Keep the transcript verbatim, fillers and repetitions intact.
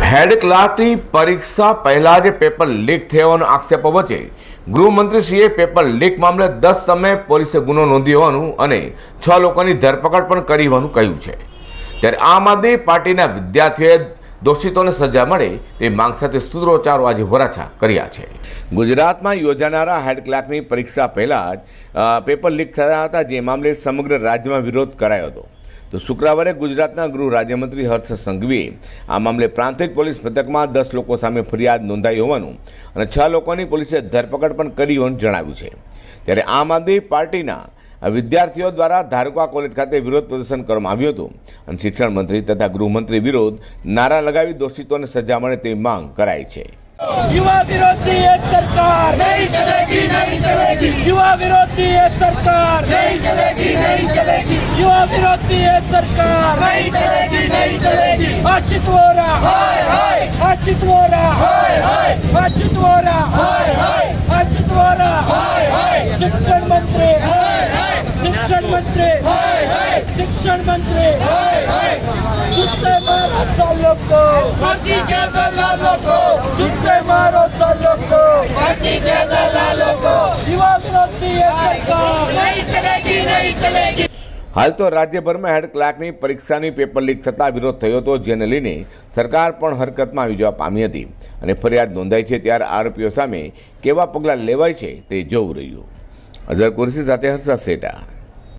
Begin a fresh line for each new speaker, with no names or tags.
હેડ ક્લાર્કની પરીક્ષા પહેલા જ પેપર લીક થયાનો આક્ષેપો વચ્ચે ગૃહમંત્રીશ્રીએ પેપર લીક મામલે દસ સમયે પોલીસે ગુનો નોંધ્યો હોવાનું અને છ લોકોની ધરપકડ પણ કરી હોવાનું કહ્યું છે। ત્યારે આમ આદમી પાર્ટીના વિદ્યાર્થીઓએ દોષિતોને સજા મળે તે માંગ સાથે સૂત્રોચ્ચારો આજે વરાછા કર્યા છે। ગુજરાતમાં યોજાનારા હેડ ક્લાર્કની પરીક્ષા પહેલા જ પેપર લીક થયા હતા, જે મામલે સમગ્ર રાજ્યમાં વિરોધ કરાયો હતો। તો શુક્રવારે ગુજરાતના ગૃહ રાજ્યમંત્રી હર્ષ સંઘવીએ આ મામલે પ્રાંતિજ પોલીસ મથકમાં દસ લોકો સામે ફરિયાદ નોંધાઈ હોવાનું અને છ લોકોની પોલીસે ધરપકડ પણ કરી હોવાનું જણાવ્યું છે। ત્યારે આમ આદમી પાર્ટીના વિદ્યાર્થીઓ દ્વારા ધારકા કોલેજ ખાતે વિરોધ પ્રદર્શન કરવામાં આવ્યું હતું અને શિક્ષણ મંત્રી તથા ગૃહમંત્રી વિરુદ્ધ નારા લગાવી દોષિતોને સજા મળે તેવી માંગ કરાઈ છે।
युवा विरोधी ये सरकार नहीं चलेगी नहीं चलेगी युवा विरोधी ये सरकार नहीं चलेगी नहीं चलेगी युवा विरोधी ये सरकार नहीं चलेगी नहीं चलेगी आशित वोरा हाय हाय आशित वोरा हाय हाय आशित वोरा हाय हाय आशित वोरा हाय हाय शिक्षण मंत्री हाय हाय शिक्षण मंत्री हाय हाय शिक्षण मंत्री हाय हाय जुत्ते मारो सालों को भर्ती के दलालों को जुत्ते मारो सालों को भर्ती के दलालों को युवा विरोधी ये सरकार नहीं चलेगी नहीं चलेगी।
हाल तो राज्यभરમાં હેડ ક્લાર્કની પરીક્ષાની પેપર લીક થતાં વિરોધ થયો હતો, જેને લઈને સરકાર પણ હરકતમાં આવી જવા પામી હતી અને ફરિયાદ નોંધાઈ છે। ત્યારે આરોપીઓ સામે કેવા પગલાં લેવાય છે તે જોવું રહ્યું। અઝર કુરેશી સાથે હર્ષદ સેઠા।